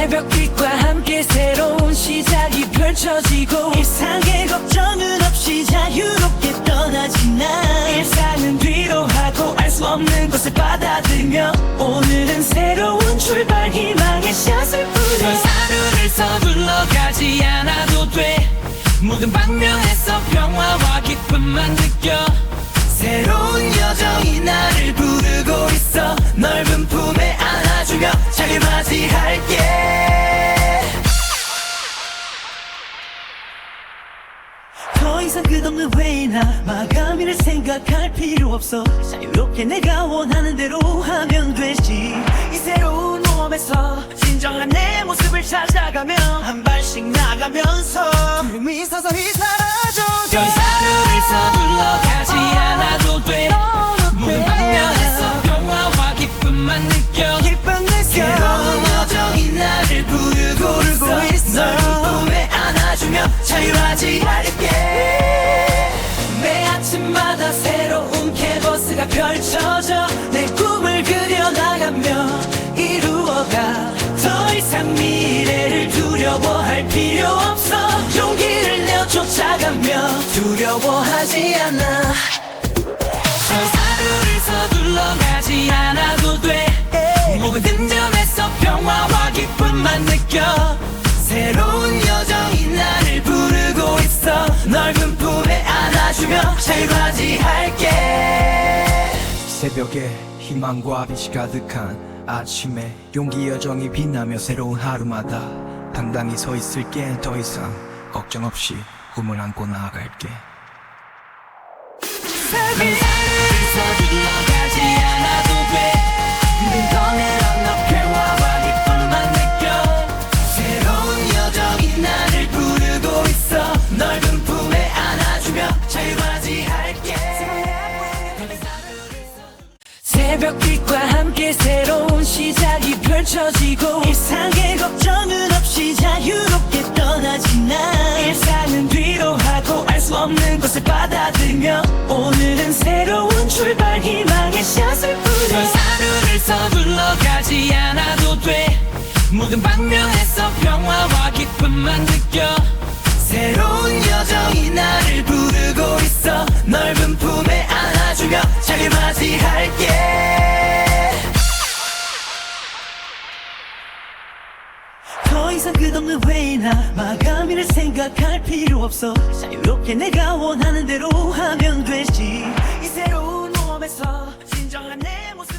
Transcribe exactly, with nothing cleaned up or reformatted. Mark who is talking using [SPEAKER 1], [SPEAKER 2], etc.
[SPEAKER 1] 새벽빛과 함께 새로운 시작이 펼쳐지고 일상의 걱정은 없이 자유롭게 떠나지 난 일상은 뒤로 하고 알 수 없는 것을 받아들며 오늘은 새로운 출발 희망의 샷을 뿌려 하루를 서둘러 가지 않아도 돼 모든 방면에서 평화와 기쁨만 느껴 새로운 여정이 나를 부르고 있어 넓은 품에 안아주며 잘 맞이할게 더 이상 끝없는 회의나 마감일을 생각할 필요 없어 자유롭게 내가 원하는 대로 하면 되지 이 새로운 모험에서 진정한 내 모습을 찾아가며 한 발씩 나가면서 두려움이 서서히 사라져 더 하루를 서둘러 가지 않아도 돼 모든 방면에서 평화와 기쁨만 느껴 새로운 여정이 나를 부르고 있어 넓은 품에 안아주며 자유맞이할게 매 아침마다 새로운 캔버스가 펼쳐져 내 꿈을 그려나가며 이루어가 더 이상 미래를 두려워할 필요 없어 용기를 내어 쫓아가며 두려워하지 않아 저 하루를 서둘러 가지 않아도 돼 모든 점에서 평화와 기쁨만 느껴 새로운 여정이 나를 부르고 있어 넓은 품에 안아주며 잘 맞이할게
[SPEAKER 2] 새벽에 희망과 빛이 가득한 아침에 용기 여정이 빛나며 새로운 하루마다 당당히 서 있을게 더 이상 걱정 없이 꿈을 안고 나아갈게
[SPEAKER 1] 하루를 서둘러 가지 않아도 돼 눈꺼내려 너 평화와 기쁨만 느껴 새로운 여정이 나를 부르고 있어 넓은 품에 안아주며 잘 맞이할게 새벽빛과 함께 새로운 시작이 펼쳐지고 일상의 걱정은 없이 자유롭게 떠나지 난 일상은 뒤로 하고 알 수 없는 것을 받아들며 오늘은 새로운 출발 희망의 샷을 뿌려 하루를 서둘러 가지 않아도 돼 모든 방면에서 평화와 기쁨만 느껴 새로운 여정이 나를 부르고 있어 넓은 품에 안아주며 잘 맞이할게 더 이상 끝없는 회의나 마감일을 생각할 필요 없어 자유롭게 내가 원하는 대로 하면 되지 이 새로운 모험에서 진정한 내 모습